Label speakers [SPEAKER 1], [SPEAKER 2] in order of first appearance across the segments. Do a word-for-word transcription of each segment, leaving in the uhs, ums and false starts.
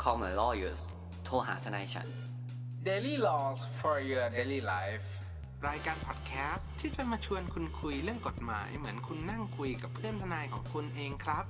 [SPEAKER 1] Call my lawyers โทรหาทนายฉัน
[SPEAKER 2] Daily Laws for your daily life รายการพอดแคสต์ที่จะมาชวนคุณคุยเรื่องกฎหมายเหมือนคุณนั่งคุยกับเพื่อนทนายของคุณเองครับ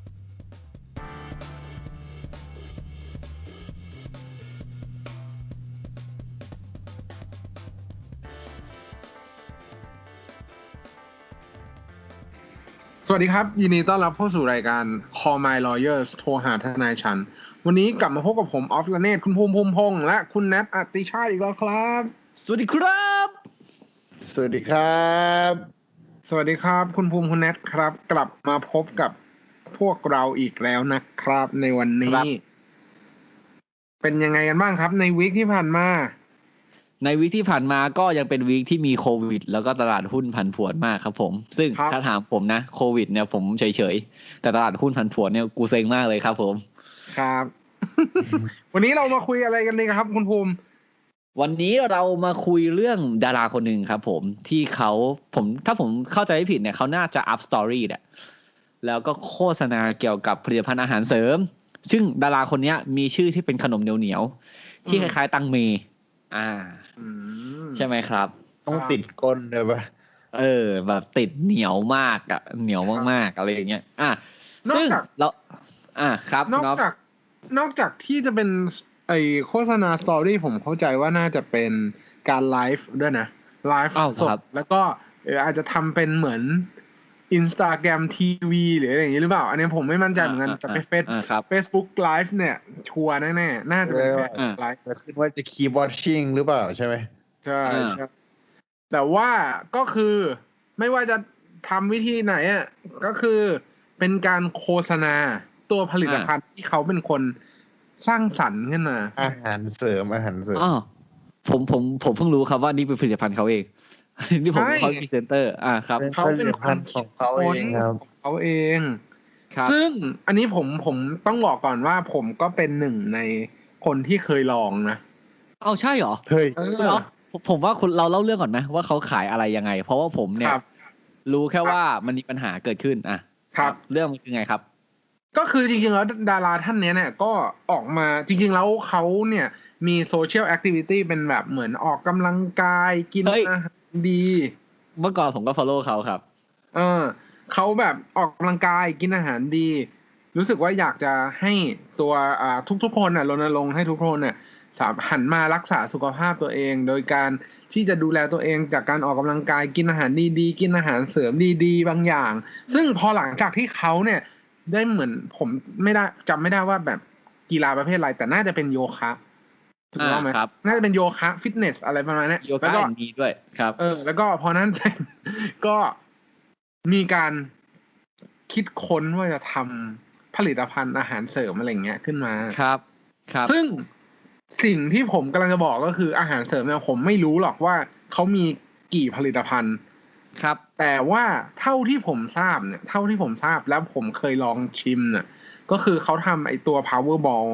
[SPEAKER 3] สวัสดีครับยินดีต้อนรับเข้าสู่รายการ Call My Lawyers โทรหาทนายฉันวันนี้กลับมาพบกับผมออฟละเนตคุณภูมิภูมิพงษ์และคุณแนทอติชาติอีกแล้วครับ
[SPEAKER 1] สวัสดีครับ
[SPEAKER 4] สวัสดีครับ
[SPEAKER 3] สวัสดีครับคุณภูมิคุณแนทครับกลับมาพบกับพวกเราอีกแล้วนะครับในวันนี้เป็นยังไงกันบ้างครับในวีคที่ผ่านมา
[SPEAKER 5] ในวีคที่ผ่านมาก็ยังเป็นวีคที่มีโควิดแล้วก็ตลาดหุ้นผันผวนมากครับผมซึ่งถ้าถามผมนะโควิดเนี่ยผมเฉยๆแต่ตลาดหุ้นผันผวนเนี่ยกูเซ็งมากเลยครับผม
[SPEAKER 3] ครับ วันนี้เรามาคุยอะไรกันเลยครับคุณภูมิ
[SPEAKER 5] วันนี้เรามาคุยเรื่องดาราคนหนึ่งครับผมที่เขาผมถ้าผมเข้าใจไม่ผิดเนี่ยเขาน่าจะอัพสตอรี่แหละแล้วก็โฆษณาเกี่ยวกับผลิตภัณฑ์อาหารเสริมซึ่งดาราคนนี้มีชื่อที่เป็นขนมเหนียวๆที่คล้ายๆตังเมอ่าใช่ไหมครับ
[SPEAKER 4] ต้องติดก้นเลยป่ะ
[SPEAKER 5] เออแบบติดเหนียวมากอ่ะเหนียวมากๆอะไรอย่างเงี้ยอ่ะซึ่งเราอ่ะครับ
[SPEAKER 3] นอกจากนอกจากที่จะเป็นไอโฆษณาสตอรี่ผมเข้าใจว่าน่าจะเป็นการไลฟ์ด้วยนะไลฟ์สดแล้วก็เอออาจจะทำเป็นเหมือน Instagram ที วี หรืออะไรอย่างงี้หรือเปล่าอันนี้ผมไม่มั่นใจเหมือนกันแต่เป็นเฟซ Facebook Live เนี่ยชัวร์แน่ๆน่าจะเป็นไลฟ์
[SPEAKER 4] จะขึ้นว่าจะ keep watching หรือเปล่าใช่ไหม
[SPEAKER 3] ใช่ใช่แต่ว่าก็คือไม่ว่าจะทำวิธีไหนอ่ะก็คือเป็นการโฆษณาตัวผลิตภัณฑ์ที่เขาเป็นคนสร้างสรรค์ขึ้นมา
[SPEAKER 4] อาหารเสริมอาหารเสริม
[SPEAKER 5] อ๋อผมผมผมเพิ่งรู้ครับว่านี่เป็นผลิตภัณฑ์เขาเองนี่ผมเขาพรีเซนเตอร์อ่าครับ
[SPEAKER 3] เขาเป็นคน
[SPEAKER 4] ของเขาเองครับ
[SPEAKER 3] ของเขาเองซึ่งอันนี้ผมผมต้องบอกก่อนว่าผมก็เป็นหนึ่งในคนที่เคยลองนะ
[SPEAKER 5] เอาใช่เหรอ
[SPEAKER 4] เฮ้ย
[SPEAKER 5] เออผมว่าคุณเราเล่าเรื่องก่อนไหมว่าเขาขายอะไรยังไงเพราะว่าผมเนี่ยรู้แค่ว่ามันมีปัญหาเกิดขึ้นอ่ะ
[SPEAKER 3] ครับ
[SPEAKER 5] เรื่องมันคือไงครับ
[SPEAKER 3] ก็คือจริงๆแล้วดาราท่านนี้เนี่ยก็ออกมาจริงๆแล้วเขาเนี่ยมีโซเชียลแอคทิวิตี้เป็นแบบเหมือนออกกำลังกายกินอาหารดี
[SPEAKER 5] เมื่อก่อนผมก็ follow เขาครับ
[SPEAKER 3] เออเขาแบบออกกำลังกายกินอาหารดีรู้สึกว่าอยากจะให้ตัวอ่าทุกๆคนน่ะรณรงค์ให้ทุกคนเนี่ยหันมารักษาสุขภาพตัวเองโดยการที่จะดูแลตัวเองจากการออกกำลังกายกินอาหารดีๆกินอาหารเสริมดีๆบางอย่างซึ่งพอหลังจากที่เขาเนี่ยได้เหมือนผมไม่ได้จำไม่ได้ว่าแบบกีฬาประเภทอะไรแต่น่าจะเป็นโยคะถูกต้องไหมน่าจะเป็นโยคะฟิตเนสอะไรประมาณนี้
[SPEAKER 5] โยคะดีด้วยครับ
[SPEAKER 3] เออแล้วก็พอนั้นเสร็จก็มีการคิดค้นว่าจะทำผลิตภัณฑ์อาหารเสริมอะไรเงี้ยขึ้นมา
[SPEAKER 5] ครับครับ
[SPEAKER 3] ซึ่งสิ่งที่ผมกำลังจะบอกก็คืออาหารเสริมเนี่ยผมไม่รู้หรอกว่าเขามีกี่ผลิตภัณฑ์
[SPEAKER 5] ครับ
[SPEAKER 3] แต่ว่าเท่าที่ผมทราบเนี่ยเท่าที่ผมทราบแล้วผมเคยลองชิมเนี่ยก็คือเขาทำไอตัว Powerball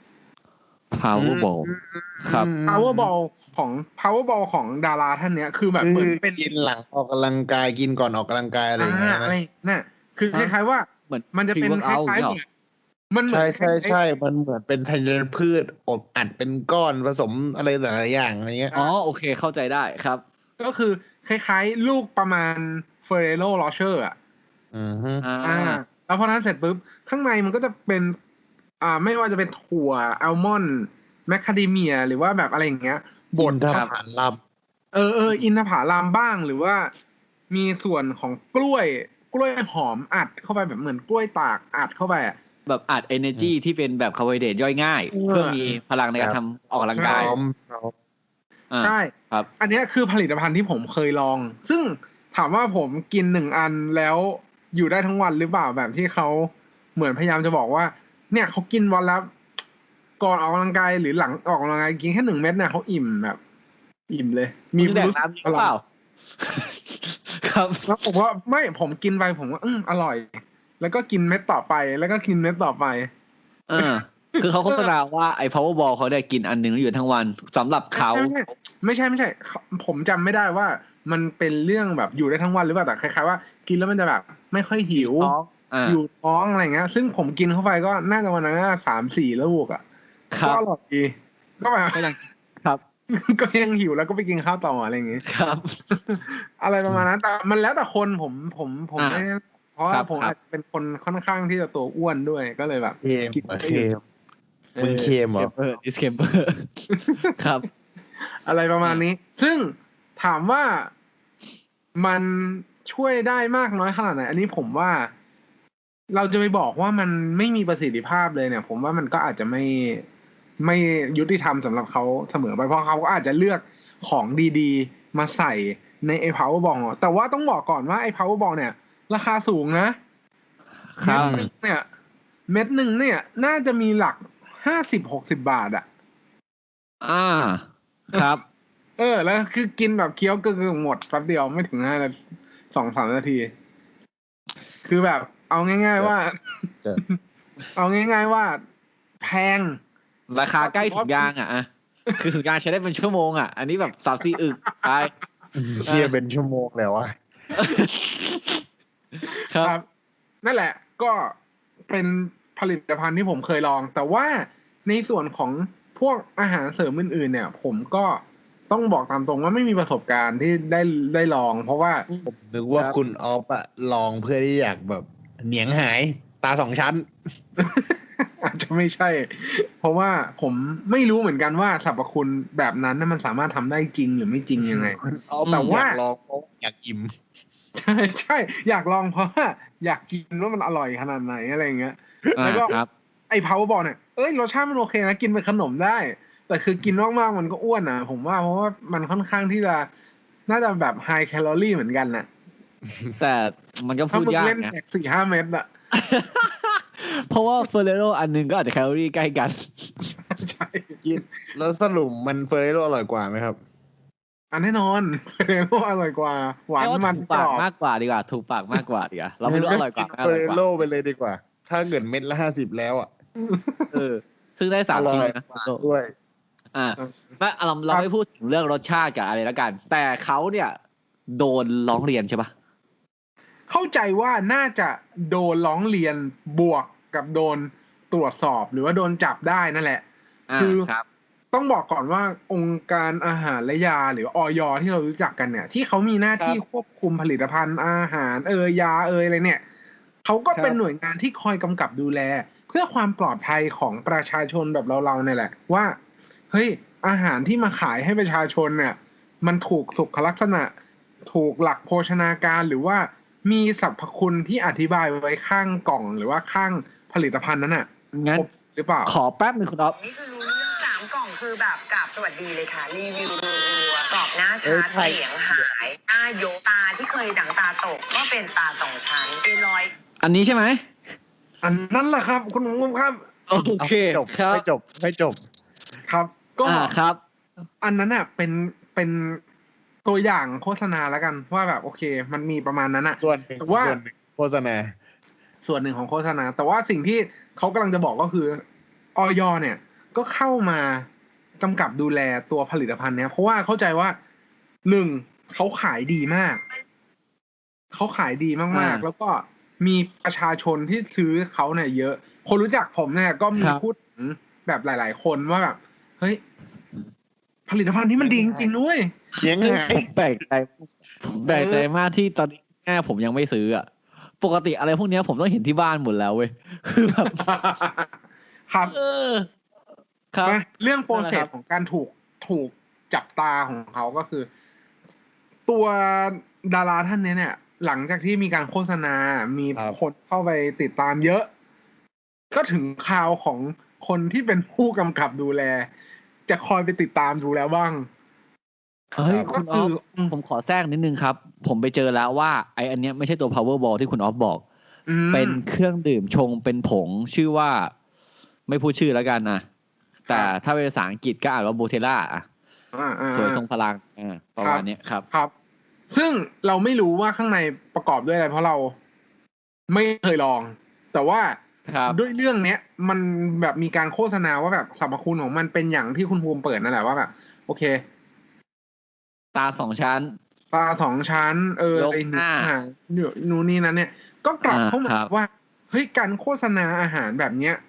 [SPEAKER 5] Powerball ครับ
[SPEAKER 3] Powerball ของ Powerball ของดาราท่านเนี้ยคือแบบเหมือนเป็น
[SPEAKER 4] กินหลังออกกำลังกายกินก่อนออกกำลังกายอะไรอย่างเงี้ยนะ
[SPEAKER 3] น่ะคือคล้ายๆว่ามันจะเป็นคล้ายๆมัน
[SPEAKER 4] ใช่ใช่ใช่มันเหมือนเป็นธัญพืชอบอัดเป็นก้อนผสมอะไรหลายอย่างอะไรเงี้ย
[SPEAKER 5] อ๋อโอเคเข้าใจได้ครับ
[SPEAKER 3] ก็คือคล้ายๆลูกประมาณ Ferrero Rocher อ่ะ
[SPEAKER 4] อือฮึ
[SPEAKER 3] อ่าแล้วพอนั้นเสร็จปุ๊บข้างในมันก็จะเป็นอ่าไม่ว่าจะเป็นถั่วอัลมอนด์แมคคาเดเมียหรือว่าแบบอะไรอย่างเงี้ย
[SPEAKER 4] บดครับล
[SPEAKER 3] ำเออเอออินทผลัมบ้างหรือว่ามีส่วนของกล้วยกล้วยหอมอัดเข้าไปแบบเหมือนกล้วยตากอัดเข้าไป
[SPEAKER 5] แบบอัด energy ที่เป็นแบบคาร์โบไฮเดรตย่อยง่ายเพื่อมีพลังในการทำออกกำลังกาย
[SPEAKER 3] ใช่ครับอันนี้คือผลิตภัณฑ์ที่ผมเคยลองซึ่งถามว่าผมกินหนึ่งอันแล้วอยู่ได้ทั้งวันหรือเปล่าแบบที่เขาเหมือนพยายามจะบอกว่าเนี่ยเขากินวันละก่อนออกกำลังกายหรือหลังออกกำลังกายกินแค่หนึ่งเม็ดเนี่ยเขาอิ่มแบบอิ่มเลย
[SPEAKER 5] มีรู้สึกหรือเปล่าครับ
[SPEAKER 3] แล้วผมว่าไม่ผมกินไปผมว่าอืมอร่อยแล้วก็กินเม็ดต่อไปแล้วก็กินเม็ดต่อไป
[SPEAKER 5] เออคือเขาโฆษณาว่าไอ้ Powerball เขาได้กินอันนึงแล้วอยู่ทั้งวันสำหรับเขา
[SPEAKER 3] ไม่ใช่ไม่ใช่ผมจำไม่ได้ว่ามันเป็นเรื่องแบบอยู่ได้ทั้งวันหรือเปล่าแต่คล้ายๆว่ากินแล้วมันจะแบบไม่ค่อยหิวอยู่ท้องอะไรเงี้ยซึ่งผมกินเข้าไปก็น่าจะวันนั้นสามสี่ลูกอ่ะ
[SPEAKER 5] ครับ
[SPEAKER 3] ก็อร่อยดีก็แบบ
[SPEAKER 5] ก็ยังครับ
[SPEAKER 3] ก็ยังหิวแล้วก็ไปกินข้าวต่ออะไรอย่างงี้
[SPEAKER 5] ครับ
[SPEAKER 3] อะไรประมาณนั้นแต่มันแล้วแต่คนผมผมผม
[SPEAKER 5] อ่า
[SPEAKER 3] ไม่เพราะว่า
[SPEAKER 5] ครับ
[SPEAKER 3] ผม
[SPEAKER 5] ครับ
[SPEAKER 3] อาจจะเป็นคนค่อนข้างที่จะตัวอ้วนด้วยก็เลยแบบ
[SPEAKER 4] เค็ม
[SPEAKER 3] กิน
[SPEAKER 4] เออ
[SPEAKER 3] ไม่
[SPEAKER 4] เค็
[SPEAKER 3] หยุด
[SPEAKER 4] มมึงเค็มเหรอ
[SPEAKER 5] เออ disclaimer ครับ
[SPEAKER 3] อะไรประมาณนี้ ซึ่งถามว่ามันช่วยได้มากน้อยขนาดไหน อันนี้ผมว่า เราจะไปบอกว่ามันไม่มีประสิทธิภาพเลยเนี่ย ผมว่ามันก็อาจจะไม่ไม่ยุติธรรมสำหรับเขาเสมอไปเพราะเขาก็อาจจะเลือกของดีๆ มาใส่ในไอ้ power ball แต่ว่าต้องบอกก่อนว่าไอ้ power ball เนี่ย ราคาสูงนะครับ เม็ดหนึ่งเนี่ย เม็ดหนึ่งเนี่ย น่าจะมีหลักห้าสิบหกสิบบาทอะ
[SPEAKER 5] อ่าครับ
[SPEAKER 3] เออ แล้วคือกินแบบเคี้ยวกึ่งๆหมดแป๊บเดียวไม่ถึงห้านาทีสองสามนาที คือแบบ เอาง่ายๆว่า
[SPEAKER 4] เออ
[SPEAKER 3] เอาง่ายๆว่า แพง
[SPEAKER 5] ราคาใกล้ถุงยางอ่ะอะคือถุงยางใช้ได้เป็นชั่วโมงอ่ะ อันนี้แบบสามสี่อึกไป
[SPEAKER 4] เคี่ยเป็นชั่วโมงแล้ววะ
[SPEAKER 5] ครับ
[SPEAKER 3] นั่นแหละ ก็เป็นผลิตภัณฑ์ที่ผมเคยลอง แต่ว่าในส่วนของพวกอาหารเสริมอื่นๆ เนี่ย ผมก็ต้องบอกตามตรงว่าไม่มีประสบการณ์ที่ได้ได้ลอง เพราะว่า
[SPEAKER 4] ผมนึกว่า
[SPEAKER 3] ครับ
[SPEAKER 4] คุณออฟอะลองเพื่อที่อยากแบบเหนียงหายตาสองชั้น
[SPEAKER 3] อาจจะไม่ใช่ เพราะว่าผมไม่รู้เหมือนกันว่าสรรพคุณแบบนั้นน่ะมันสามารถทำได้จริงหรือไม่จริงยังไง
[SPEAKER 4] คุณออฟ
[SPEAKER 3] แต่ว่า
[SPEAKER 4] อยากลองเพราะอยากกิน
[SPEAKER 3] ใช่ใช่อยากลองเพราะว่าอยากกินว่ามันอร่อยขนาดไหนอะไรอย่างเงี้ย
[SPEAKER 5] อ่า
[SPEAKER 3] แล้วก็
[SPEAKER 5] ครับ
[SPEAKER 3] ไอ้ power ball เนี่ยเอ้ยรสชาติมันโอเคนะกินเป็นขนมได้ แต่คือกินมากๆมันก็อ้วนนะผมว่าเพราะว่ามันค่อนข้างที่จะน่าจะแบบ high calorie เหมือนกันน่ะ
[SPEAKER 5] แต่มันก็
[SPEAKER 3] ถ้า
[SPEAKER 5] พูด
[SPEAKER 3] มึง
[SPEAKER 5] ยาก
[SPEAKER 3] เล่น
[SPEAKER 5] นะ
[SPEAKER 3] แตกสี่ห้าเม็ดอะ
[SPEAKER 5] เพราะว่าเฟอร์เรโรอันหนึงก็อาจจะแคลอรี่ใกล้กัน
[SPEAKER 3] ใช่
[SPEAKER 4] กินแล้วสรุปมันเฟอร์เรโรอร่อยกว่าไหมครับ
[SPEAKER 3] อันแน่นอน เฟรโรอร่อยกว่า หวาน
[SPEAKER 5] เรียกว่า
[SPEAKER 3] มัน
[SPEAKER 5] ถูก
[SPEAKER 3] ก
[SPEAKER 5] ปาร ก
[SPEAKER 3] อบ
[SPEAKER 5] มากกว่าดีกว่า ถูกปากมากกว่าดีกว่า เราไม่รู้อร่อยกว่าไม่อ
[SPEAKER 4] เฟอ
[SPEAKER 5] ร่อย
[SPEAKER 4] ร์เร
[SPEAKER 5] กว่า
[SPEAKER 4] โรไปเลยดีกว่า ถ้าเกิดเม็ดละห้าสิบแล้วอ่ะ
[SPEAKER 5] เออ ซึ่งได้สาม
[SPEAKER 4] อร่
[SPEAKER 5] ชิ้น
[SPEAKER 4] อย
[SPEAKER 5] นะ
[SPEAKER 4] กว่าด้วย
[SPEAKER 5] อ่าไม่เราเราไม่พูดถึงเรื่องรสชาติกับอะไรแล้วกัน แต่เขาเนี่ย โดนร้องเรียนใช่ปะ
[SPEAKER 3] เข้าใจว่าน่าจะโดนร้องเรียนบวกกับโดนตรวจสอบหรือว่าโดนจับได้นั่นแหละ
[SPEAKER 5] อ่า
[SPEAKER 3] คือ
[SPEAKER 5] ครับ
[SPEAKER 3] ต้องบอกก่อนว่าองค์การอาหารและยาหรืออย ที่เรารู้จักกันเนี่ย ที่เขามีหน้าที่ควบคุมผลิตภัณฑ์อาหารเอยยาเอยอะไรเนี่ยเขาก็เป็นหน่วยงานที่คอยกำกับดูแล เพื่อความปลอดภัยของประชาชนแบบเราๆเนี่ยแหละ ว่าเฮ้ยอาหารที่มาขายให้ประชาชนเนี่ย มันถูกสุขลักษณะ ถูกหลักโภชนาการหรือว่ามีสรรพคุณที่อธิบายไว้ข้างกล่องหรือว่าข้างผลิตภัณฑ์นั้นน่ะ
[SPEAKER 5] งั้น
[SPEAKER 3] ครบหรือเปล่า
[SPEAKER 5] ขอแป๊บหนึงคุณอ๊อฟ
[SPEAKER 6] นี่คือรู้เรื่องสามกล่องคือแบบกราบสวัสดีเลยค่ะ รีวิวรัวๆกรอบหน้า
[SPEAKER 4] เอ้
[SPEAKER 6] ชั
[SPEAKER 4] ย
[SPEAKER 6] ด
[SPEAKER 4] ใช่
[SPEAKER 6] เสียงหายหน้าโยกตาที่เคยดั่งตาตกก็เป็นตาสองชั้นเป็นรอย
[SPEAKER 5] อันนี้ใช่ไหม
[SPEAKER 3] อันนั้นแหละครับ คุณมุมครับ
[SPEAKER 5] โอเค
[SPEAKER 4] จบ
[SPEAKER 5] ครับ
[SPEAKER 4] ไม่จบไม่จบ
[SPEAKER 3] ครับ ก็
[SPEAKER 5] อ่าครับ
[SPEAKER 3] อันนั้นน่ะเป็นเป็นตัวอย่างโฆษณาแล้วกัน ว่าแบบโอเค มันมีประมาณนั้นน่ะ
[SPEAKER 4] ส่วนหนึ่ง
[SPEAKER 3] แต่ว่า
[SPEAKER 4] ส่วนหนึ่งโฆษณา
[SPEAKER 3] ส่วนหนึ่งของโฆษณา แต่ว่าสิ่งที่เขากำลังจะบอกก็คืออย เนี่ย ก็เข้ามากำกับดูแลตัวผลิตภัณฑ์เนี้ยเพราะว่าเข้าใจว่าหนึ่งเขาขายดีมาก เขาขายดีมาก
[SPEAKER 5] อ่า
[SPEAKER 3] ๆ แล้วก็มีประชาชนที่ซื้อเขาเนี่ยเยอะ คนรู้จักผมเนี่ยก็มี
[SPEAKER 5] ครับ
[SPEAKER 3] พูดถึงแบบหลาย ๆ คนว่าแบบเฮ้ยผลิตภัณฑ์นี้มันดีจริงๆด้วย
[SPEAKER 4] เหนียงหาย
[SPEAKER 5] ผมแปลกใจผมแปลกใจมากที่ตอนนี้แม่ผมยังไม่ซื้ออ่ะ ปกติอะไรพวกเนี้ยผมต้องเห็นที่บ้านหมดแล้วเว้ย คือแบบ
[SPEAKER 3] ครับ
[SPEAKER 5] เออ ครับ
[SPEAKER 3] นะเรื่องโปรเซ
[SPEAKER 5] นั่นแหละครั
[SPEAKER 3] ส
[SPEAKER 5] บ
[SPEAKER 3] ของการถูกถูกจับตาของเขาก็คือ ตัวดาราท่านนี้เนี่ย หลังจากที่มีการโฆษณา มี
[SPEAKER 4] ครับ
[SPEAKER 3] คนเข้าไปติดตามเยอะ ก็ถึงคราวของคนที่เป็นผู้กำกับดูแล จะคอยไปติดตามดูแลบ้าง
[SPEAKER 5] เฮ้ย
[SPEAKER 3] ก็
[SPEAKER 5] คุณอ
[SPEAKER 3] คือ อ
[SPEAKER 5] ฟผมขอแทรกนิดนึงครับ ผมไปเจอแล้วว่าไออันเนี้ยไม่ใช่ตัว power ball ที่คุณออฟบอก
[SPEAKER 3] อืม
[SPEAKER 5] เป็นเครื่องดื่มชงเป็นผงชื่อว่า ไม่พูดชื่อแล้วกันนะแต่ถ้าเป็นภาษาอังกฤษก็อ่านว่าโบเทล่า
[SPEAKER 3] อ่าอ่า
[SPEAKER 5] สวยทรงพลังอ่าประมาณเนี้ยครับ
[SPEAKER 3] ครับ ซึ่งเราไม่รู้ว่าข้างในประกอบด้วยอะไรเพราะเราไม่เคยลอง แต่ว่า
[SPEAKER 5] ครับ
[SPEAKER 3] ด้วยเรื่องเนี้ย มันแบบมีการโฆษณาว่าแบบสรรพคุณของมันเป็นอย่างที่คุณภูมิเปิดนั่นแหละว่าแบบโอเค
[SPEAKER 5] ตาสองชั้น
[SPEAKER 3] ปลาสองชั้น เออย
[SPEAKER 5] ก
[SPEAKER 3] ไอ้
[SPEAKER 5] หน้า
[SPEAKER 3] หานู่นนี่นั้นเนี่ย ก็กลับ
[SPEAKER 5] อ่า
[SPEAKER 3] เข้ามา
[SPEAKER 5] ครับ
[SPEAKER 3] ว่าเฮ้ยการโฆษณาอาหารแบบเนี้ย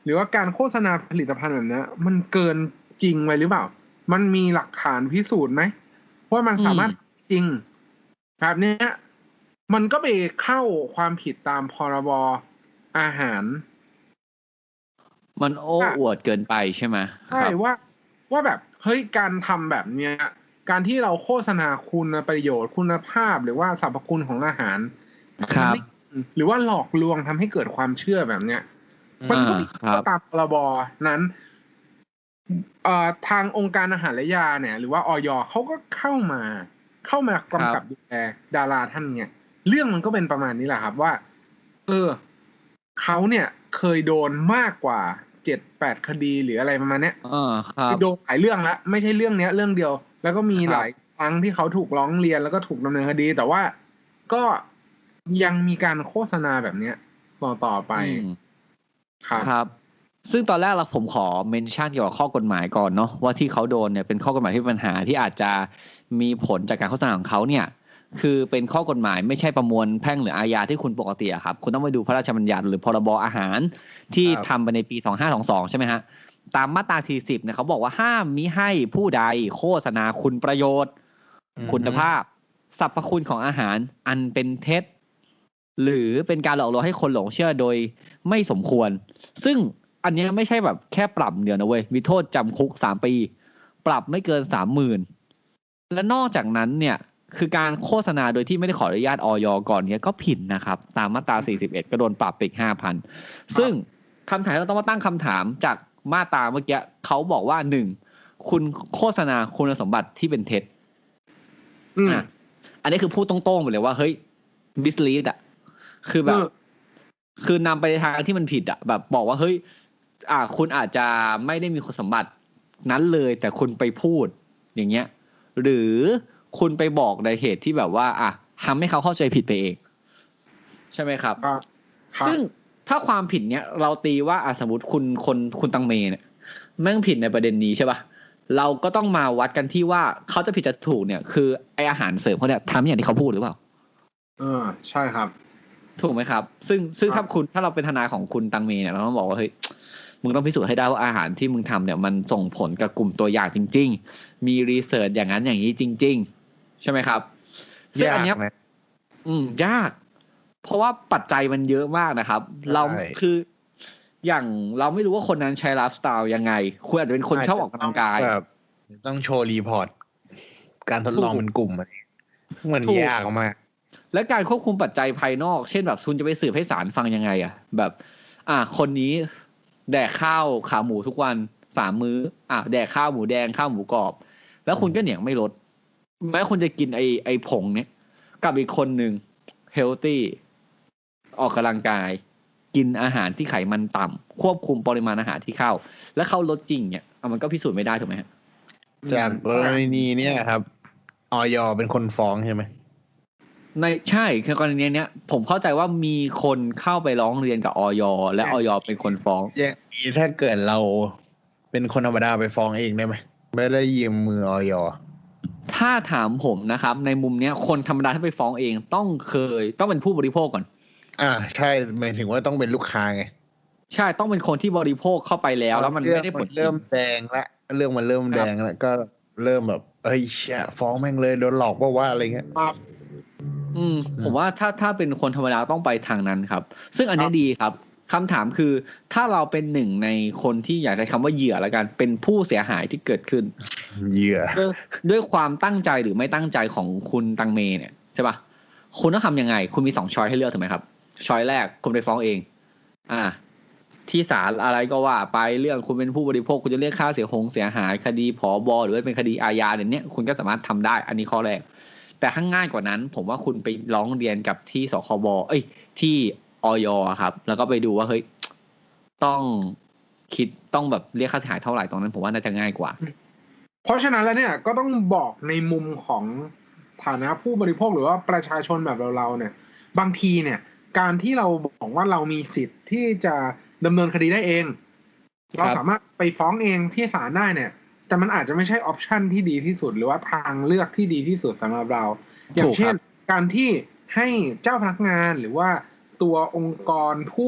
[SPEAKER 3] หรือว่าการโฆษณาผลิตภัณฑ์แบบนี้มันเกินจริงไปหรือเปล่ามันมีหลักฐานพิสูจน์ไหมว่ามันสามารถจริงแบบนี้มันก็ไปเข้าความผิดตามพรบอาหาร
[SPEAKER 5] มันโอ้อวดเกินไปใช่ไหม
[SPEAKER 3] ใช่ว่าว่าแบบเฮ้ยการทำแบบเนี้ยการที่เราโฆษณาคุณประโยชน์คุณภาพหรือว่าสรรพคุณของอาหาร
[SPEAKER 5] ครับ
[SPEAKER 3] หรือว่าหลอกลวงทำให้เกิดความเชื่อแบบเนี้ยมันก็มีตามพรบนั้นเอ่อทางองค์การอาหารและยาเนี่ยหรือว่าอย.เขาก็เข้ามาเข้ามากำกับดูแลดาราท่านเนี่ยเรื่องมันก็เป็นประมาณนี้แหละครับว่าเออเขาเนี่ยเคยโดนมากกว่าเจ็ดแปดคดีหรืออะไรประมาณเนี้ย
[SPEAKER 5] อ่าครับ
[SPEAKER 3] โดนหลายเรื่องแล้วไม่ใช่เรื่องเนี้ยเรื่องเดียวแล้วก็มีหลายครั้งที่เขาถูกร้องเรียนแล้วก็ถูกดำเนินคดีแต่ว่าก็ยังมีการโฆษณาแบบเนี้ยต่อต่อไป
[SPEAKER 5] ครับครับซึ่งตอนแรกเราผมขอเมนชั่นเกี่ยวกับข้อกฎหมายก่อนเนาะว่าที่เขาโดนเนี่ยเป็นข้อกฎหมายที่มีปัญหาที่อาจจะมีผลจากการโฆษณาของเขาเนี่ยคือเป็นข้อกฎหมายไม่ใช่ประมวลแพ่งหรืออาญาที่คุณปกติครับคุณต้องไปดูพระราชบัญญัติหรือพรบอาหารที่ทำไปในปีสองพันห้าร้อยยี่สิบสองใช่ไหมฮะตามมาตราที่สิบเนี่ยเขาบอกว่าห้ามมิให้ผู้ใดโฆษณาคุณประโยชน์คุณภาพสรรพคุณของอาหารอันเป็นเท็จหรือเป็นการหลอกลวงให้คนหลงเชื่อโดยไม่สมควรซึ่งอันนี้ไม่ใช่แบบแค่ปรับเดียวนะเว้ยมีโทษจำคุกสามปีปรับไม่เกิน สามหมื่น และนอกจากนั้นเนี่ยคือการโฆษณาโดยที่ไม่ได้ขออนุญาตอย.ก่อนเนี้ยก็ผิดนะครับตามมาตราสี่สิบเอ็ดก็โดนปรับไปอีก ห้าพัน ซึ่งคำถามเราต้องมาตั้งคำถามจากมาตราเมื่อกี้เขาบอกว่าหนึ่งคุณโฆษณาคุณสมบัติที่เป็นเท็จอ่ะอันนี้คือพูดตรงๆไปเลยว่าเฮ้ย mislead อ่ะคือแบบคือนำไปในทางที่มันผิดอ่ะแบบบอกว่าเฮ้ยอ่าคุณอาจจะไม่ได้มีคุณสมบัตินั้นเลยแต่คุณไปพูดอย่างเงี้ยหรือคุณไปบอกในเหตุที่แบบว่าอ่ะทำให้เขาเข้าใจผิดไปเองใช่ไหมครับซึ่งถ้าความผิดเนี้ยเราตีว่าอ่ะสมมติคุณคนคุณตังเมเนี่ยแม่งผิดในประเด็นนี้ใช่ป่ะเราก็ต้องมาวัดกันที่ว่าเขาจะผิดจะถูกเนี่ยคือไออาหารเสริมเขาเนี่ยทำอย่างที่เขาพูดหรือเปล่า
[SPEAKER 3] เออใช่ครับ
[SPEAKER 5] ถูกไหมครับซึ่งซึ่งถ้าคุณถ้าเราเป็นทนายของคุณตังเมเนี่ยเราต้องบอกว่าเฮ้ยมึงต้องพิสูจน์ให้ได้ว่าอาหารที่มึงทำเนี่ยมันส่งผลกับกลุ่มตัวอย่างจริงๆมีรีเสิร์ชอย่างนั้นอย่างนี้จริงๆใช่ไหมครับซึ่งอันเนี้ยอืมยากเพราะว่าปัจจัยมันเยอะมากนะครับเราคืออย่างเราไม่รู้ว่าคนนั้นใช้ไลฟ์สไตล์ยังไงคุณอาจจะเป็นคนชอบออกกำลังกาย
[SPEAKER 4] ต้องโชว์รีพอร์ตการทดลองเป็นกลุ่มอะไรมันยากมาก
[SPEAKER 5] และการควบคุมปัจจัยภายนอกเช่นแบบคุณจะไปสืบให้ศาลฟังยังไงอ่ะแบบอ่ะคนนี้แดกข้าวขาหมูทุกวันสามมื้ออ่ะแดกข้าวหมูแดงข้าวหมูกรอบแล้วคุณก็เหนียงไม่ลดแม้คุณจะกินไอไอผงเนี้ยกับอีกคนนึงเฮลตี้ออกกำลังกายกินอาหารที่ไขมันต่ำควบคุมปริมาณอาหารที่เข้าแล้วเข้าลดจริงเนี่ยมันก็พิสูจน์ไม่ได้ถูกไหมฮะ
[SPEAKER 4] จากกรณีนี้ครับอย.เป็นคนฟ้องใช่ไหม
[SPEAKER 5] ในใช่คือกรณีเนี้ยผมเข้าใจว่ามีคนเข้าไปร้องเรียนกับอย.และอย.เป็นคนฟ้อง
[SPEAKER 4] อย่างนี้ถ้าเกิดเราเป็นคนธรรมดาไปฟ้องเองได้ไหมไม่ได้ยืมมืออย.
[SPEAKER 5] ถ้าถามผมนะครับในมุมเนี้ยคนธรรมดาถ้าไปฟ้องเองต้องเคยต้องเป็นผู้บริโภคก่อน
[SPEAKER 4] อ่าใช่หมายถึงว่าต้องเป็นลูกค้าไง
[SPEAKER 5] ใช่ต้องเป็นคนที่บริโภคเข้าไปแล้วแล้วมันไม่ได้ผล
[SPEAKER 4] เริ่มแดงละเรื่องมันเริ่มแดงแล้วก็เริ่มแบบเอ้ยเชี่ยฟ้องแม่งเลยโดนหลอกเพราะว่าอะไรเงี้ย
[SPEAKER 5] อืมผมว่าถ้าถ้าเป็นคนธรรมดาต้องไปทางนั้นครับซึ่งอันนี้ดีครับคำถามคือถ้าเราเป็นหนึ่งในคนที่อยากใช้คำว่าเหยื่อแล้วกันเป็นผู้เสียหายที่เกิดขึ้น
[SPEAKER 4] เหยื่อ
[SPEAKER 5] ด้วยความตั้งใจหรือไม่ตั้งใจของคุณตังเมเนี่ยใช่ป่ะคุณต้องทำยังไงคุณมีสองช้อยให้เลือกถูกไหมครับช้อยแรกคุณไปฟ้องเองอ่าที่ศาลอะไรก็ว่าไปเรื่องคุณเป็นผู้บริโภคคุณจะเรียกค่าเสียหงเสียหายคดีผบหรือว่าเป็นคดีอาญาเนี่ยคุณก็สามารถทำได้อันนี้ข้อแรกแต่ข้างง่ายกว่านั้นผมว่าคุณไปร้องเรียนกับที่สคบเอ้ยที่อย.ครับแล้วก็ไปดูว่าเฮ้ยต้องคิดต้องแบบเรียกค่าเสียหายเท่าไหร่ตรงนั้นผมว่าน่าจะง่ายกว่า
[SPEAKER 3] เพราะฉะนั้นแล้วเนี่ยก็ต้องบอกในมุมของฐานะผู้บริโภคหรือว่าประชาชนแบบเราๆเนี่ยบางทีเนี่ยการที่เราบอกว่าเรามีสิทธิ์ที่จะดำเนินคดีได้เองเราสามารถไปฟ้องเองที่ศาลได้เนี่ยแต่มันอาจจะไม่ใช่ออปชันที่ดีที่สุดหรือว่าทางเลือกที่ดีที่สุดสำหรับเราอย่างเช่นการที่ให้เจ้าพนักงานหรือว่าตัวองค์กรผู้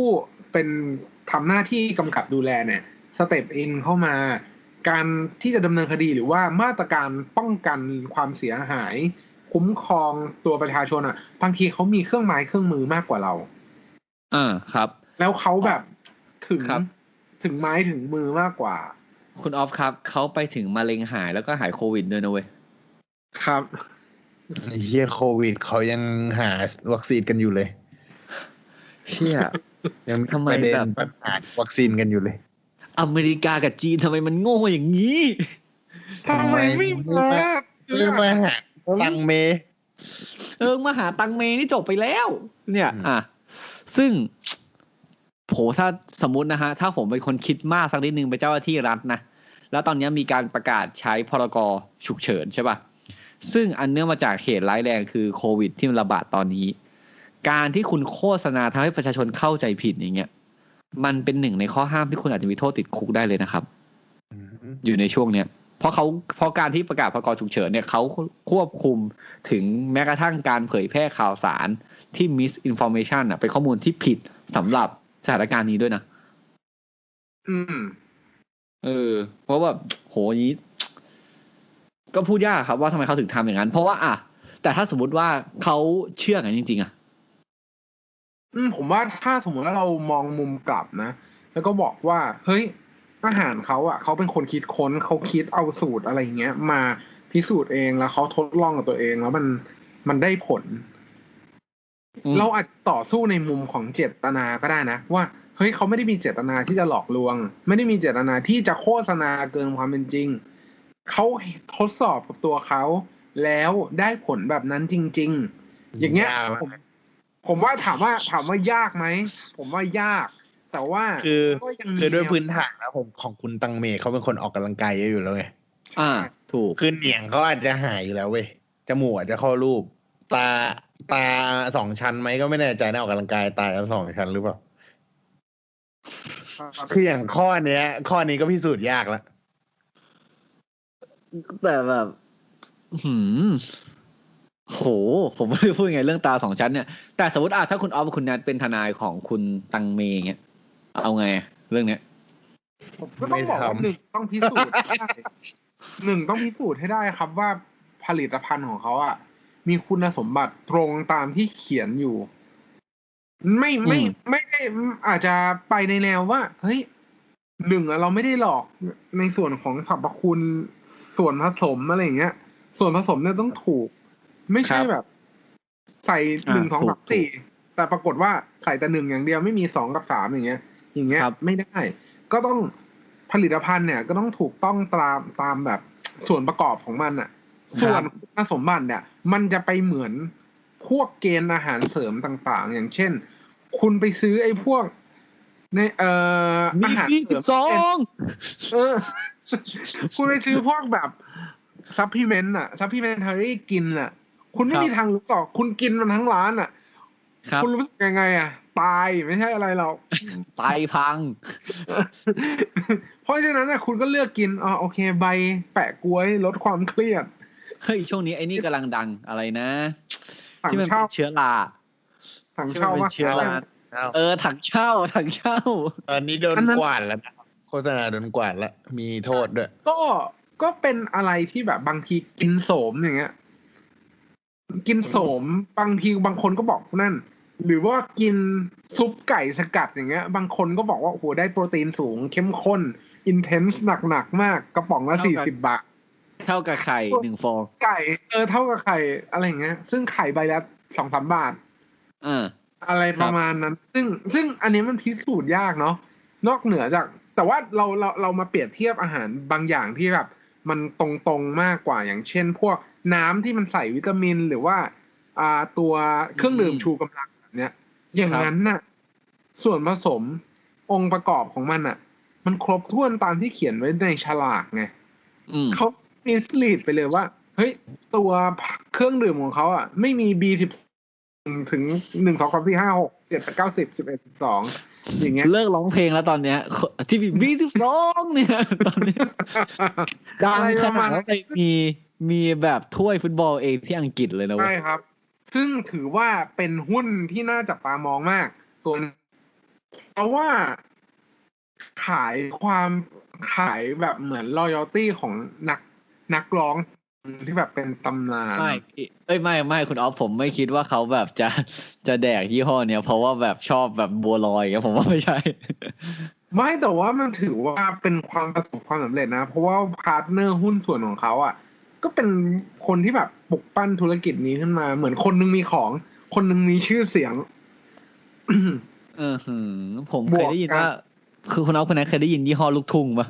[SPEAKER 3] เป็นทำหน้าที่กำกับดูแลเนี่ยสเต็ปอินเข้ามาการที่จะดำเนินคดีหรือว่ามาตรการป้องกันความเสียหายคุ้มครองตัวประชาชนอ่ะบางทีเขามีเครื่องไม้เครื่องมือมากกว่าเรา
[SPEAKER 5] อ่าครับ
[SPEAKER 3] แล้วเขาแบบถึง
[SPEAKER 5] ครับ
[SPEAKER 3] ถึงไม้ถึงมือมากกว่า
[SPEAKER 5] คุณออฟครับเขาไปถึงมะเร็งหายแล้วก็หายโควิดด้วยนะเว้ย
[SPEAKER 3] ครับ
[SPEAKER 4] เฮียโควิดเขายังหาวัคซีนกันอยู่เลย
[SPEAKER 5] เชี่ย
[SPEAKER 4] ยังทำไมแบบหาวัคซีนกันอยู่เลย
[SPEAKER 5] อเมริกากับจีนทำไมมันโง่อย่างนี้
[SPEAKER 3] ทำไมไม่มา
[SPEAKER 4] ไม่มาหาตังเม
[SPEAKER 5] เออมาหาตังเมนี่จบไปแล้วเนี่ยอ่ะซึ่งโหถ้าสมมุตินะฮะถ้าผมเป็นคนคิดมากสักนิดนึงเป็นเจ้าหน้าที่รัฐนะแล้วตอนนี้มีการประกาศใช้พรกฉุกเฉินใช่ป่ะซึ่งอันเนื่องมาจากเหตุร้ายแรงคือโควิดที่มันระบาดตอนนี้การที่คุณโฆษณาทำให้ประชาชนเข้าใจผิดอย่างเงี้ยมันเป็นหนึ่งในข้อห้ามที่คุณอาจจะมีโทษติดคุกได้เลยนะครับอยู่ในช่วงเนี้ยเพราะเขาเพราะการที่ประกาศพรกฉุกเฉินเนี่ยเขาควบคุมถึงแม้กระทั่งการเผยแพร่ข่าวสารที่ misinformation อ่ะเป็นข้อมูลที่ผิดสำหรับสถานการณ์นี้ด้วยนะ
[SPEAKER 3] อืม
[SPEAKER 5] เออเพราะว่าโหนี้ก็พูดยากครับว่าทำไมเขาถึงทำอย่างนั้นเพราะว่าอ่ะแต่ถ้าสมมุติว่าเขาเชื่อกันจริงๆอ่ะ
[SPEAKER 3] อืมผมว่าถ้าสมมติว่าเรามองมุมกลับนะแล้วก็บอกว่าเฮ้ยอาหารเขาอ่ะเขาเป็นคนคิดค้นเขาคิดเอาสูตรอะไรเงี้ยมาพิสูจน์เองแล้วเขาทดลองกับตัวเองแล้วมันมันได้ผลเราอาจต่อสู้ในมุมของเจตนาก็ได้นะว่าเฮ้ยเขาไม่ได้มีเจตนาที่จะหลอกลวงไม่ได้มีเจตนาที่จะโฆษณาเกินความเป็นจริงเขาทดสอบกับตัวเขาแล้วได้ผลแบบนั้นจริงๆอย่างเงี้ยผมผมว่าถามว่าถามว่ายากไหมผมว่ายากแต่ว่า
[SPEAKER 4] คือคือด้วยพื้นฐานนะผมของคุณตังเมเขาเป็นคนออกกำลังกายเยอะอยู่แล้วไง
[SPEAKER 5] อ่าถูก
[SPEAKER 4] คือเหนียงเขาอาจจะหายอยู่แล้วเว้ยจมูกอาจจะเข้ารูปตาตาสองชั้นไหมก็ไม่แน่ใจนะออกกำลังกายตาสองชั้นหรือเปล่าคืออย่างข้อเนี้ยข้อนี้ก็พิสูจน์ยากแล้ว
[SPEAKER 5] แต่แบบหืมโหผมไม่รู้พูดยังไงเรื่องตาสองชั้นเนี่ยแต่สมมติอ่ะถ้าคุณออฟคุณนัทเป็นทนายของคุณตังเมย์เงี้ยเอาไงเรื่องเนี้ย
[SPEAKER 3] ผมก็ต้องบอกว่าหนึ่งต้องพิสูจน์ได้หนึ่งต้องพิสูจน์ให้ได้ครับว่าผลิตภัณฑ์ของเขาอ่ะมีคุณสมบัติตรงตามที่เขียนอยู่ไม่ไม่ไม่ได้อาจจะไปในแนวว่าเฮ้ยหนึ่งเราไม่ได้หลอกในส่วนของสรรพคุณส่วนผสมอะไรอย่างเงี้ยส่วนผสมเนี่ยต้องถูกไม่ใช่แบบใส่หนึ่งสองสามสี่แต่ปรากฏว่าใส่แต่หนึ่งอย่างเดียวไม่มีสองกับสามอย่างเงี้ยอย่างเงี้ยไม่ได้ก็ต้องผลิตภัณฑ์เนี่ยก็ต้องถูกต้องตามตามแบบส่วนประกอบของมันอ่ะส่วนคุณสมบัติเนี่ยมันจะไปเหมือนพวกเกณฑ์อาหารเสริมต่างๆอย่างเช่นคุณไปซื้อไอ้พวกในเอ่ออาหารเสริมเออคุณไปซื้อพวกแบบซัพพลีเมนต์อ่ะซัพพลีเมนทารี่กินอ่ะคุณไม่มีทางรู้หรอกคุณกินมันทั้งร้านอ่ะคุณรู้สึกยังไงอ่ะตายไม่ใช่อะไรหรอก
[SPEAKER 5] ตายพัง
[SPEAKER 3] เพราะฉะนั้นน่ะคุณก็เลือกกินอ๋อโอเคใบแปะกล้วยลดความเครียด
[SPEAKER 5] เฮ้ยช่วงนี้ไอ้นี่กำลังดังอะไรนะที่มันเป็นเชื้อรา
[SPEAKER 3] ถังเช่า
[SPEAKER 5] ว่าเชื้อราเออถังเช่าถังเช่า
[SPEAKER 4] ตอนนี้โดนกวาดแล้วโฆษณาโดนกวาดแล้วมีโทษด้วย
[SPEAKER 3] ก็ก็เป็นอะไรที่แบบบางทีกินโสมอย่างเงี้ยกินโสมบางทีบางคนก็บอกนั่นหรือว่ากินซุปไก่สกัดอย่างเงี้ยบางคนก็บอกว่าโอ้โหได้โปรตีนสูงเข้มข้นอินเทนส์หนักๆมากกระป๋องละสี่สิบบาท
[SPEAKER 5] เท่ากับไข่หนึ่งฟอง
[SPEAKER 3] ไก่เออเท่ากับไข่อะไรอย่างเงี้ยซึ่งไข่ใบละสองสามบาท
[SPEAKER 5] อ่า
[SPEAKER 3] อะไรประมาณนั้นซึ่งซึ่งอันนี้มันพิสูจน์ยากเนาะนอกเหนือจากแต่ว่าเราเราเรามาเปรียบเทียบอาหารบางอย่างที่แบบมันตรงๆมากกว่าอย่างเช่นพวกน้ำที่มันใส่วิตามินหรือว่าอ่าตัวเครื่องดื่มชูกำลังแบบเนี้ยอย่างนั้นน่ะส่วนผสมองค์ประกอบของมันอ่ะมันครบถ้วนตามที่เขียนไว้ในฉลากไงเขามิสลีดไปเลยว่าเฮ้ยตัวเครื่องดื่มของเขาอ่ะไม่มี บี สิบถึงหนึ่ง สอง สาม สี่ ห้า หก เจ็ด แปด เก้า สิบ สิบเอ็ด สิบสองอย่างเงี้ย
[SPEAKER 5] เลิกร้องเพลงแล้วตอนเนี้ยที่มี บี สิบสองเนี่ยตอนนี้ดังขนาดว่ามีมีแบบถ้วยฟุตบอลเองที่อังกฤษเลยนะ
[SPEAKER 3] ใช่ครับซึ่งถือว่าเป็นหุ้นที่น่าจับตามองมากตัวเพราะว่าขายความขายแบบเหมือน loyalty ของนักนักร้องที่แบบเป็นตำนาน
[SPEAKER 5] ไม่เอ้ยไม่ไม่คุณออฟผมไม่คิดว่าเขาแบบจะจะแดกยี่ห้อเนี้ยเพราะว่าแบบชอบแบบบัวลอยอย่างเงี้ยผมว่าไม่ใช่
[SPEAKER 3] ไม่แต่ว่ามันถือว่าเป็นความประสบความสำเร็จนะ เพราะว่าพาร์ทเนอร์หุ้นส่วนของเขาอ่ะ ก็เป็นคนที่แบบปลุกปั้นธุรกิจนี้ขึ้นมา เหมือนคนนึงมีของ คนนึงมีชื่อเสียง
[SPEAKER 5] เออหือผมเคยได้ยินว่า คือคุณออฟคนนั้นเคยได้ยินยี่ห้อลูกทุ่งปะ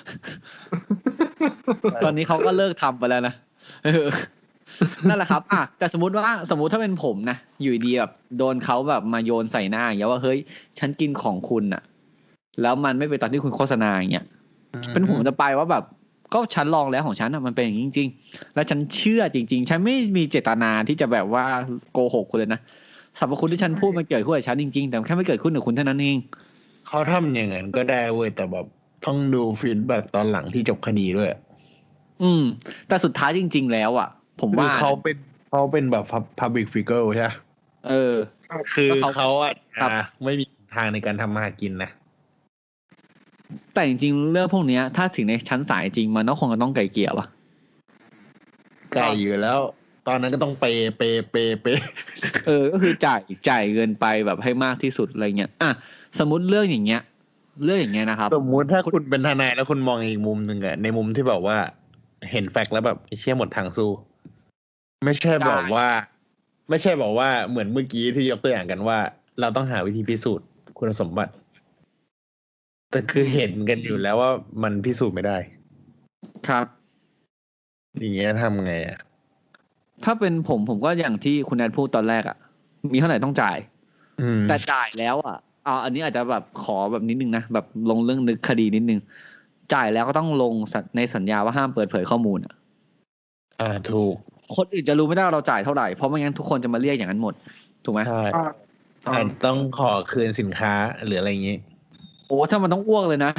[SPEAKER 5] ตอนนี้เขาก็เลิกทำไปแล้วนะเออนั่นแหละครับอ่ะแต่สมมติว่าสมมติถ้าเป็นผมนะอยู่ดีแบบโดนเขาแบบมาโยนใส่หน้าอย่างเงี้ยว่าเฮ้ยฉันกินของคุณอะแล้วมันไม่เป็นตามที่คุณโฆษณาอย่างเงี้ยเป็นผมจะไปว่าแบบก็ฉันลองแล้วของฉันอะมันเป็นอย่างนี้จริงๆแล้วฉันเชื่อจริงๆฉันไม่มีเจตนาที่จะแบบว่าโกหกคุณเลยนะสรรพคุณที่ฉันพูดมันเกิดขึ้นกับฉันจริงๆแต่แค่ไม่เกิดขึ้นกับคุณเท่านั้นเอง
[SPEAKER 4] เขาทำอย่างนั้นก็ได้เว้ยแต่แบบต้องดูฟีดแบ็กตอนหลังที่จบคดีด้วย
[SPEAKER 5] อืม แต่สุดท้ายจริง ๆ แล้วอ่ะ ผม
[SPEAKER 4] คือ
[SPEAKER 5] ว่า
[SPEAKER 4] เขาเป็นเขาเป็นแบบ public figure ใช่ไหม
[SPEAKER 5] เออ
[SPEAKER 4] คือ
[SPEAKER 5] แล้วเขา
[SPEAKER 4] เขาอ่ะ
[SPEAKER 5] ครับ
[SPEAKER 4] อ่ะไม่มีทางในการทำมาหากินนะ
[SPEAKER 5] แต่จริงๆเรื่องพวกเนี้ย ถ้าถึงในชั้นศาลจริงมันก็คงจะต้องไกลเกลี่ยป่ะ
[SPEAKER 4] ไกลอยู่แล้ว ตอนนั้นก็ต้องเปย์เปย์เปย์เปย์
[SPEAKER 5] เออ ก็คือจ่ายจ่ายเงินไปแบบให้มากที่สุดอะไรเงี้ยอ่ะสมมติเรื่องอย่างเงี้ย เรื่องอย่างเงี้ยนะครับ
[SPEAKER 4] สมมุติถ้าคุณเป็นทนายแล้วคุณมองอีกมุมหนึ่งอะในมุมที่แบบว่าเห็นแฟกต์แล้วแบบไอ้เชี่ยหมดทางสู้ ไม่ใช่แบบว่า ไม่ใช่บอกว่าเหมือนเมื่อกี้ที่ยกตัวอย่างกันว่า เราต้องหาวิธีพิสูจน์คุณสมบัติ แต่คือเห็นกันอยู่แล้วว่ามันพิสูจน์ไม่ได้
[SPEAKER 5] ครับ
[SPEAKER 4] อย่างเงี้ยทำไงอะ
[SPEAKER 5] ถ้าเป็นผมผมก็อย่างที่คุณแอดพูดตอนแรกอ่ะ มีเท่าไหร่ต้องจ่าย
[SPEAKER 4] อืม
[SPEAKER 5] แต่จ่ายแล้วอ่ะเอาอันนี้อาจจะแบบขอแบบนิดนึงนะแบบลงเรื่องนึกคดีนิดนึง จ่ายแล้วก็ต้องลงในสัญญาว่าห้ามเปิดเผยข้อมูลอ่ะ
[SPEAKER 4] อ่าถูก
[SPEAKER 5] คนอื่นจะรู้ไม่ได้ว่าเราจ่ายเท่าไหร่เพราะไม่งั้นทุกคนจะมาเรียกอย่างนั้นหมดถูกไหม
[SPEAKER 4] ใช่
[SPEAKER 3] อ่า
[SPEAKER 4] อาจต้องขอคืนสินค้าหรืออะไรอย่างงี้
[SPEAKER 5] โอ้ถ้ามันต้องอ้วกเลยนะ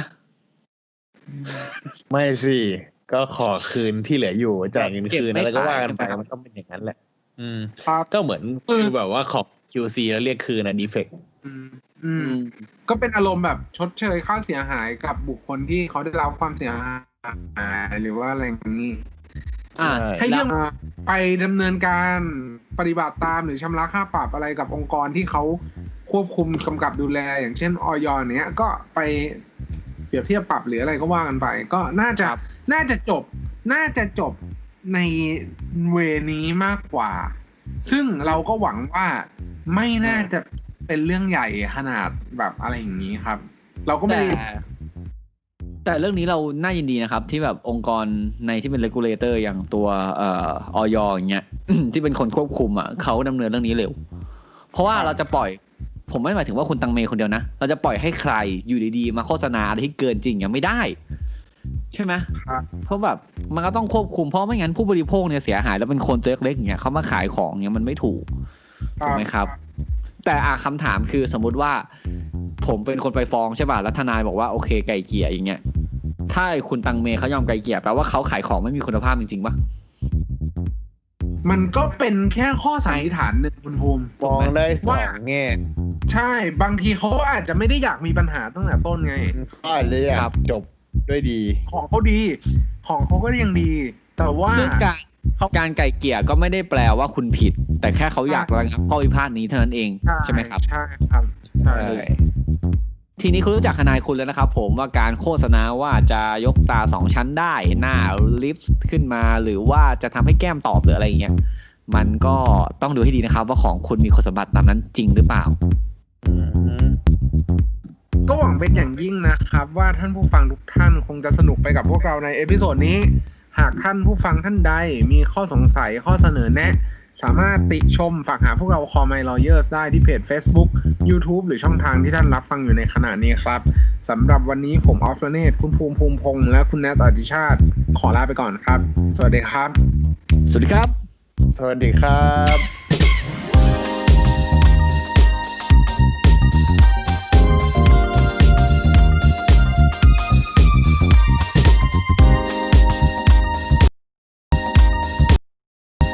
[SPEAKER 4] ไม่สิก็ขอคืนที่เหลืออยู่จ่ายเงินคืน
[SPEAKER 5] เก็บไม่
[SPEAKER 4] แล้วก็ว่ากันไป
[SPEAKER 5] ขายใช่ไหมครับ
[SPEAKER 4] มันก็เป็นอย่างนั้นแหละ อืม
[SPEAKER 3] ครับ
[SPEAKER 4] ก็เหมือนคือแบบว่าขอ คิว ซี แล้วเรียกคืนอะดีเฟกต์
[SPEAKER 3] อืมอืม ก็เป็นอารมณ์แบบชดเชยค่าเสียหายกับบุคคลที่เขาได้รับความเสียหายหรือว่าอะไรอย่างนี้
[SPEAKER 5] อ่า
[SPEAKER 3] ให้เรื่อง
[SPEAKER 5] แล้ว
[SPEAKER 3] ไปดำเนินการปฏิบัติตามหรือชำระค่าปรับอะไรกับองค์กรที่เขาควบคุมกำกับดูแล อย่างเช่นอย.เนี้ยก็ไปเปรียบเทียบปรับหรืออะไรก็ว่ากันไป ก็น่าจะ
[SPEAKER 5] ครับ
[SPEAKER 3] น่าจะจบ น่าจะจบในเวนี้มากกว่า ซึ่งเราก็หวังว่าไม่น่าจะเป็นเรื่องใหญ่ขนาดแบบอะไรอย่างนี้ครับ เราก็ไม่
[SPEAKER 5] แต่
[SPEAKER 3] ได้
[SPEAKER 5] แต่เรื่องนี้เราน่ายินดีนะครับ ที่แบบองค์กรในที่เป็น regulator อย่างตัวเอ่ออย.อย่างเงี้ย ที่เป็นคนควบคุมอ่ะเขาดำเนินเรื่องนี้เร็ว เพราะว่าเราจะปล่อย ผมไม่หมายถึงว่าคุณตังเมคนเดียวนะ เราจะปล่อยให้ใครอยู่ดีๆมาโฆษณาอะไรที่เกินจริงอย่างไม่ได้ ใช่ไหม
[SPEAKER 3] ครับ
[SPEAKER 5] เพราะแบบมันก็ต้องควบคุมเพราะไม่งั้นผู้บริโภคเนี่ยเสียหายแล้วเป็นคนตัวเล็กๆอย่างเงี้ยเขามาขายของเนี่ยมันไม่ถูกถูกไหมครับ แต่อ่ะคำถามคือสมมุติว่า ผมเป็นคนไปฟ้องใช่ป่ะแล้วทนายบอกว่าโอเคไก่เกลี่ยอย่างเงี้ยถ้าไอ้คุณตังเมเขายอมไก่เกลี่ยแปลว่าเขาขายของไม่มีคุณภาพจริงๆป่ะ
[SPEAKER 3] มันก็เป็นแค่ข้อสันนิษฐานหนึ่งคุณภูมิ
[SPEAKER 4] มองได้ส
[SPEAKER 3] ว่า
[SPEAKER 4] องแง่
[SPEAKER 3] ใช่บางทีเขาอาจจะไม่ได้อยากมีปัญหาตั้งแต่ต้นไง
[SPEAKER 4] ก็อาจจะอยากจบด้วยดี
[SPEAKER 3] ของเขาดี ของเขาก็ยังดี แต่ว่า
[SPEAKER 5] ซึ่งการการไก่เกลี่ยก็ไม่ได้แปลว่าคุณผิด แต่แค่เขาอยากระงับข้อพิพาทนี้เท่านั้นเองใช่ไหมครับ
[SPEAKER 3] ใช่ครับใช่
[SPEAKER 4] ใช่
[SPEAKER 5] ทีนี้คุณรู้จักทนายคุณแล้วนะครับผมว่าการโฆษณาว่าจะยกตาสองชั้นได้หน้าลิปส์ขึ้นมาหรือว่าจะทำให้แก้มตอบหรืออะไรอย่างเงี้ยมันก็ต้องดูให้ดีนะครับ ว่าของคุณมีคุณสมบัติตามนั้นจริงหรือเปล่า
[SPEAKER 4] อืม
[SPEAKER 3] ก็หวังเป็นอย่างยิ่งนะครับ ว่าท่านผู้ฟังทุกท่านคงจะสนุกไปกับพวกเราในเอพิโซดนี้ หากท่านผู้ฟังท่านใดมีข้อสงสัยข้อเสนอแนะ สามารถติชมฝากหาพวกเรา Call My Lawyers ได้ที่เพจ Facebook YouTube หรือช่องทางที่ท่านรับฟังอยู่ในขณะนี้ครับสำหรับวันนี้ผมออฟเฟเนตคุณภูมิภูมิพงษ์และคุณแนทอติชาติขอลาไปก่อนครับ สวัสดีครับ
[SPEAKER 5] สวัสดีครับ
[SPEAKER 4] สวัสดีครับ